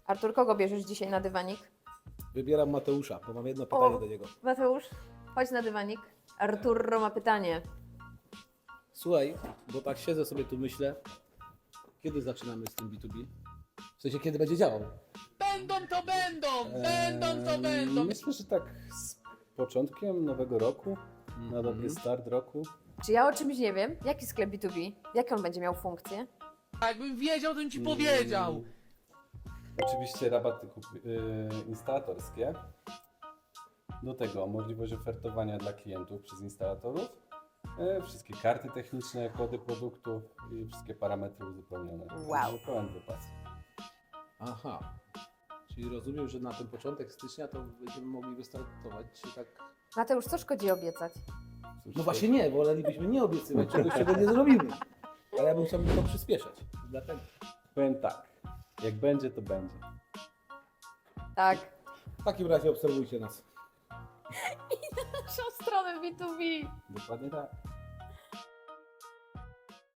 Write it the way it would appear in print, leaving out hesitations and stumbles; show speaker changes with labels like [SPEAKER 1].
[SPEAKER 1] Artur, kogo bierzesz dzisiaj na dywanik?
[SPEAKER 2] Wybieram Mateusza, bo mam jedno pytanie do niego.
[SPEAKER 1] Mateusz, chodź na dywanik. Arturo ma pytanie.
[SPEAKER 2] Słuchaj, bo tak siedzę sobie tu myślę, kiedy zaczynamy z tym B2B? W sensie, kiedy będzie działał?
[SPEAKER 3] Będą to będą!
[SPEAKER 4] Myślę, że tak z początkiem nowego roku, na dobry start roku.
[SPEAKER 1] Czy ja o czymś nie wiem? Jaki sklep B2B? Jakie on będzie miał funkcje?
[SPEAKER 3] Jakbym wiedział, to bym ci powiedział.
[SPEAKER 4] Oczywiście rabaty instalatorskie. Do tego możliwość ofertowania dla klientów przez instalatorów. Wszystkie karty techniczne, kody produktów i wszystkie parametry uzupełnione.
[SPEAKER 1] Wow.
[SPEAKER 4] Pełen wypas.
[SPEAKER 2] Aha. Czyli rozumiem, że na ten początek stycznia to będziemy mogli wystartować się tak...
[SPEAKER 1] Mateusz, co szkodzi obiecać?
[SPEAKER 4] Cóż,
[SPEAKER 2] No właśnie nie, wolelibyśmy nie obiecywać czegoś, czego nie zrobimy. Ale ja bym chciał to przyspieszać. Dlatego.
[SPEAKER 4] powiem tak, jak będzie, to będzie.
[SPEAKER 1] Tak.
[SPEAKER 2] W takim razie obserwujcie nas.
[SPEAKER 1] Naszą stronę B2B.
[SPEAKER 4] Dokładnie tak.